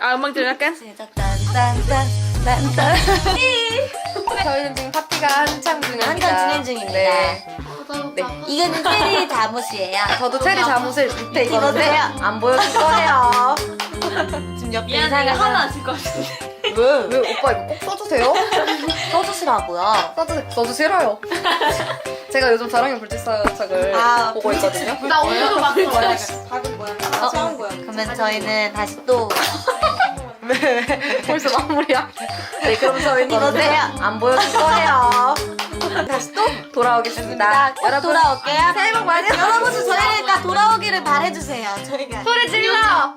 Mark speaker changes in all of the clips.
Speaker 1: 아, 음악 들을게.
Speaker 2: 시작. 딴딴딴딴딴.
Speaker 1: 저희는 지금 파티가 한창 중입니다.
Speaker 2: 한창 진행 중입니다.
Speaker 1: 네. 네.
Speaker 2: 이거는 체리 자무스예요.
Speaker 1: 저도 체리 잠옷을 밑에 입었는데
Speaker 2: 입었어요?
Speaker 1: 안 보여줄 거예요.
Speaker 2: 지금 옆에
Speaker 3: 미안해, 이거
Speaker 2: 이상한
Speaker 3: 하나 안 쓸 것 같은데.
Speaker 1: 왜 오빠 이거 꼭 써주세요?
Speaker 2: 써주시라고요.
Speaker 1: 써도 싫어요. 제가 요즘 자랑의 불치사역을 보고 있거든요.
Speaker 3: 나 오늘도 봤어.
Speaker 2: 그러면 저희는 다시 또
Speaker 1: 벌써 마무리야. 네, 그럼 저희는
Speaker 2: 입어주세요.
Speaker 1: 이제 안 보여줄 거예요. 다시 또 돌아오겠습니다.
Speaker 2: 꼭 돌아올게요.
Speaker 1: 새해 복 많이 받으세요.
Speaker 2: 여러분들 저희가 돌아오기를 바래주세요. 저희가
Speaker 1: 소리 질러!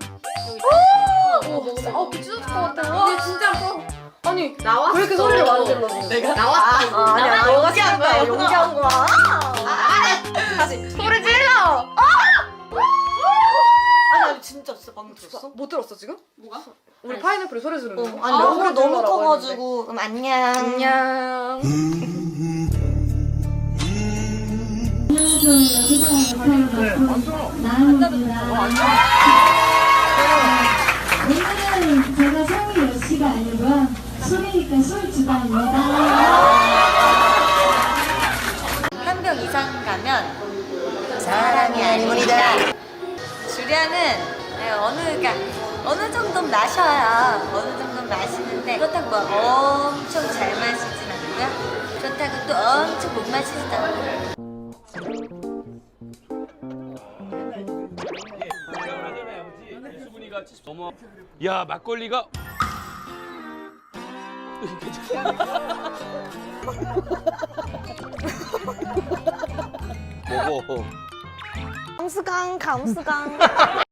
Speaker 1: 오! 미쳐질 것 같아. 와, 진짜 아파. 아니,
Speaker 3: 나왔어.
Speaker 1: 왜 이렇게 소리를 많이 질러지?
Speaker 3: 내가 나왔어.
Speaker 1: 아니야, 너가 시간 거야. 용기한 거야. 다시. 소리 질러!
Speaker 2: 아니 진짜 없어. 방금 들었어?
Speaker 1: 못 들었어, 지금?
Speaker 3: 뭐가?
Speaker 1: 우리 파인애플이 소리 지르는 거.
Speaker 2: 아니 너무
Speaker 1: 소리
Speaker 2: 너무
Speaker 1: 질러라고
Speaker 2: 커가지고 그럼 안녕.
Speaker 1: 했는데. 안녕.
Speaker 4: 오늘은 제가 성이 여씨가 아니고요. 소리니까 솔주다입니다.
Speaker 2: 한 병 이상 가면 사람이 아닙니다. 주량은 어느 정도 마셔야 어느 정도 마시는데 그렇다고 뭐 엄청 잘 마시진 않고요. 그렇다고 또 엄청 못 마시지도 않고.
Speaker 5: 야 막걸리가 먹어.
Speaker 2: 감수강.